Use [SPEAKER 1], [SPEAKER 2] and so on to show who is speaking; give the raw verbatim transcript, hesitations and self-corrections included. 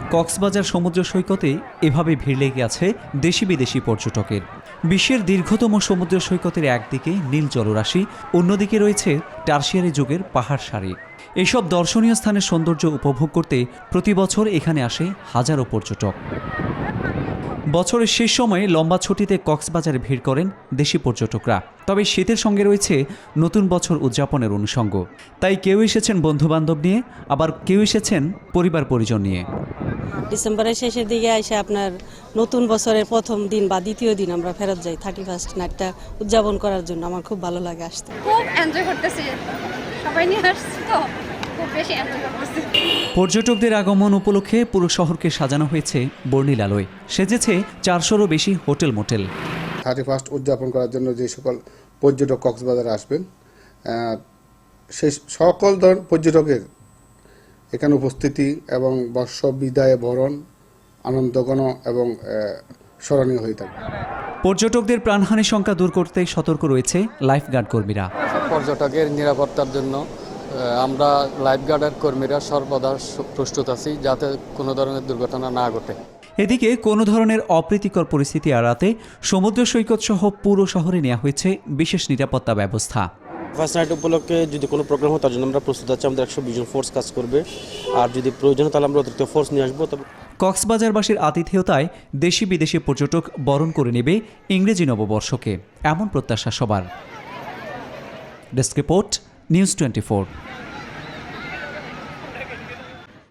[SPEAKER 1] কক্সবাজার সমুদ্র সৈকতে এভাবে ভিড় লেগে আছে দেশি বিদেশি পর্যটকের। বিশ্বের দীর্ঘতম সমুদ্র সৈকতের একদিকে নীল জলরাশি, অন্যদিকে রয়েছে টারশিয়ারি যুগের পাহাড় সারি। এসব দর্শনীয় স্থানের সৌন্দর্য উপভোগ করতে প্রতি বছর এখানে আসে হাজারো পর্যটক। বছরের শেষ সময়ে লম্বা ছুটিতে কক্সবাজারে ভিড় করেন দেশি পর্যটকরা। তবে শীতের সঙ্গে রয়েছে নতুন বছর উদযাপনের অনুষঙ্গ। তাই কেউ এসেছেন বন্ধুবান্ধব নিয়ে, আবার কেউ এসেছেন পরিবার পরিজন নিয়ে।
[SPEAKER 2] ডিসেম্বরের শেষের দিকে এসে আপনার নতুন বছরের প্রথম দিন বা দ্বিতীয় দিন আমরা ফেরত যাই থার্টি ফার্স্ট নাইটটা উদযাপন করার জন্য। আমার খুব ভালো লাগে আসতে।
[SPEAKER 3] খুব এনজয় করতেছি, সবাই নিয়ে আসছি তো খুব বেশি এনজয় করতেছি।
[SPEAKER 1] পর্যটকদের আগমন উপলক্ষে পুরো শহরকে সাজানো হয়েছে বর্ণিল আলোয়। সেজেছে চারশোরও বেশি হোটেল মোটেল।
[SPEAKER 4] থার্টি ফার্স্ট উদযাপন করার জন্য যে সকল পর্যটক কক্সবাজারে আসবেন, সেই সকল ধরনের পর্যটকের এখানে উপস্থিতি এবং বর্ষ বিদায় বরণ আনন্দঘন এবং স্মরণীয় হয়ে থাকে।
[SPEAKER 1] পর্যটকদের প্রাণহানি সংখ্যা দূর করতে সতর্ক রয়েছে লাইফগার্ড কর্মীরা।
[SPEAKER 5] পর্যটকের নিরাপত্তার জন্য আমরা লাইফগার্ডের কর্মীরা সর্বদা প্রস্তুত আছি যাতে কোনো ধরনের দুর্ঘটনা না ঘটে।
[SPEAKER 1] এদিকে কোনো ধরনের অপ্রীতিকর পরিস্থিতি এড়াতে সমুদ্র সৈকত সহ পুরো শহরে নেওয়া হয়েছে বিশেষ নিরাপত্তা ব্যবস্থা।
[SPEAKER 6] ফার্স্ট নাইট উপলক্ষে যদি কোনো প্রোগ্রাম হয় তার জন্য আমরা প্রস্তুত আছি। আমাদের একশো বিশ জন ফোর্স কাজ করবে, আর যদি প্রয়োজন হয় তাহলে আমরা অতিরিক্ত ফোর্স নিয়ে আসবো। তবে
[SPEAKER 1] কক্সবাজারবাসীর আতিথেয়তায় দেশি বিদেশি পর্যটক বরণ করে নেবে ইংরেজি নববর্ষকে, এমন প্রত্যাশা সবার। Desk report, news twenty four.